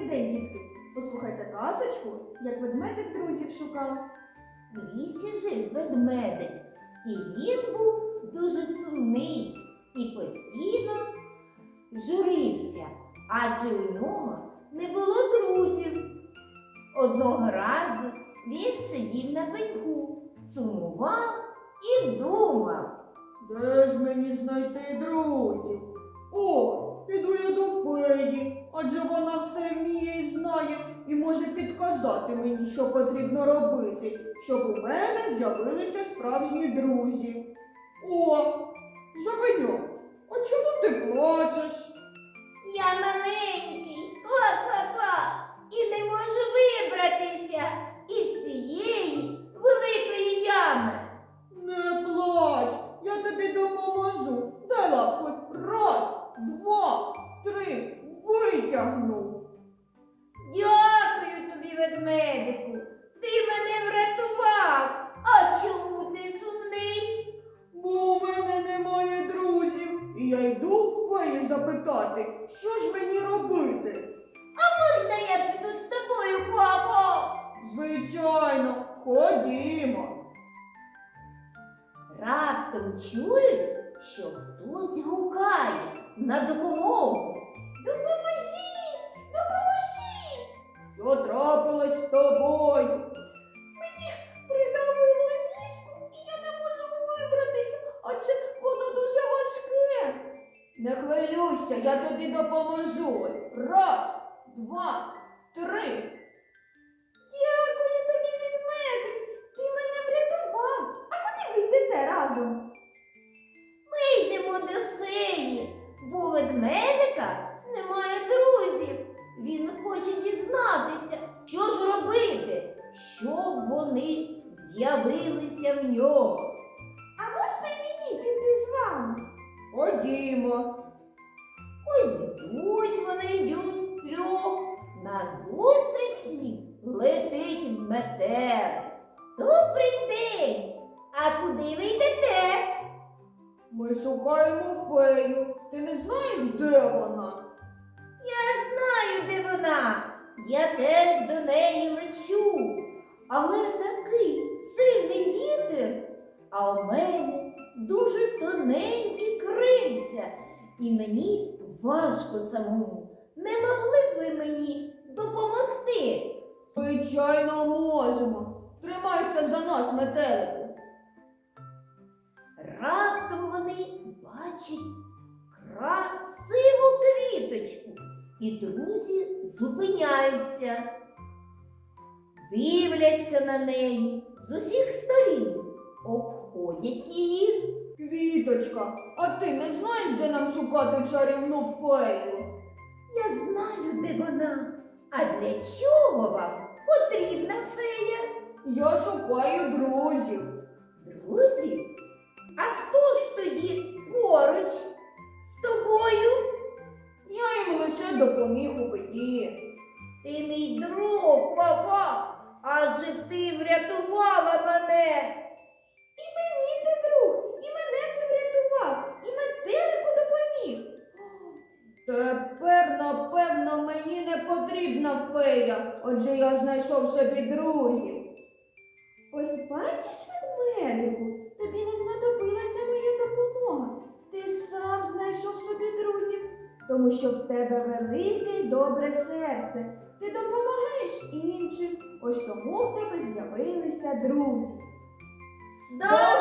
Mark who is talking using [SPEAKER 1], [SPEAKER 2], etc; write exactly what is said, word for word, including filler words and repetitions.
[SPEAKER 1] Добрий день, дітки! Послухайте казочку, як ведмедик друзів шукав.
[SPEAKER 2] В лісі жив ведмедик, і він був дуже сумний і постійно журився, адже у нього не було друзів. Одного разу він сидів на пеньку, сумував і думав.
[SPEAKER 3] Де ж мені знайти друзів? О, піду я до феї, адже вона все вміє і знає і може підказати мені, що потрібно робити, щоб у мене з'явилися справжні друзі. О, Жабеньок, а чому ти плачеш?
[SPEAKER 2] Я маленький, ква-ква-ква, і не можу вибратися із цієї великої ями.
[SPEAKER 3] Не плач, я тобі допоможу. Дай лапку. Раз, два, три, витягну.
[SPEAKER 2] Дякую тобі, ведмедику, ти мене врятував. А чому ти сумний?
[SPEAKER 3] Бо у мене немає друзів, і я йду в феї запитати, що ж мені робити.
[SPEAKER 2] Можна я піду з тобою, папа?
[SPEAKER 3] Звичайно, ходімо.
[SPEAKER 2] Раптом чують, що хтось гукає на допомогу. Допоможіть! Допоможіть!
[SPEAKER 3] Що трапилось з тобою?
[SPEAKER 2] Придавило ніжку, і я не можу вибратися, адже воно дуже важке.
[SPEAKER 3] Не хвилюйся, я тобі допоможу. Раз, два, три.
[SPEAKER 2] Дякую тобі, ведмедик, ти мене врятував. А куди ви йдете разом? Ми йдемо до феї, бо у ведмедика немає друзів. Він хоче дізнатися, що ж робити, щоб вони з'явилися в нього. А можна й мені піти з вами?
[SPEAKER 3] Ходімо.
[SPEAKER 2] Ось йдуть вони йдуть трьох, назустріч їм летить метелик. Добрий день! А куди ви йдете?
[SPEAKER 3] Ми шукаємо фею. Ти не знаєш, де вона?
[SPEAKER 2] Я знаю, де вона. Я теж до неї лечу. Але такий сильний вітер, а у мене дуже тоненькі крильця, і мені важко самому. Не могли б ви мені допомогти?
[SPEAKER 3] Звичайно, можемо. Тримайся за нас, метелику.
[SPEAKER 2] Раптом вони бачать красиву квіточку, і друзі зупиняються, дивляться на неї з усіх сторін, обходять її.
[SPEAKER 3] Квіточка, а ти не знаєш, де нам шукати чарівну фею?
[SPEAKER 2] Я знаю, де вона. А для чого вам потрібна фея?
[SPEAKER 3] Я шукаю друзів.
[SPEAKER 2] Друзі? А хто ж тоді поруч з тобою?
[SPEAKER 3] Я їм лише допоміг у біді.
[SPEAKER 2] Ти мій друг, папа, адже ти врятувала мене. І мені ти друг, і мене ти врятував, і метелику допоміг.
[SPEAKER 3] Тепер, напевно, мені не потрібна фея, отже я знайшов собі друзів.
[SPEAKER 1] Ось бачиш, ведмедику, тобі не знадобилася моя допомога. Ти сам знайшов собі друзів, тому що в тебе велике й добре серце. Ти допомагаєш іншим, ось тому в тебе з'явилися друзі.
[SPEAKER 2] До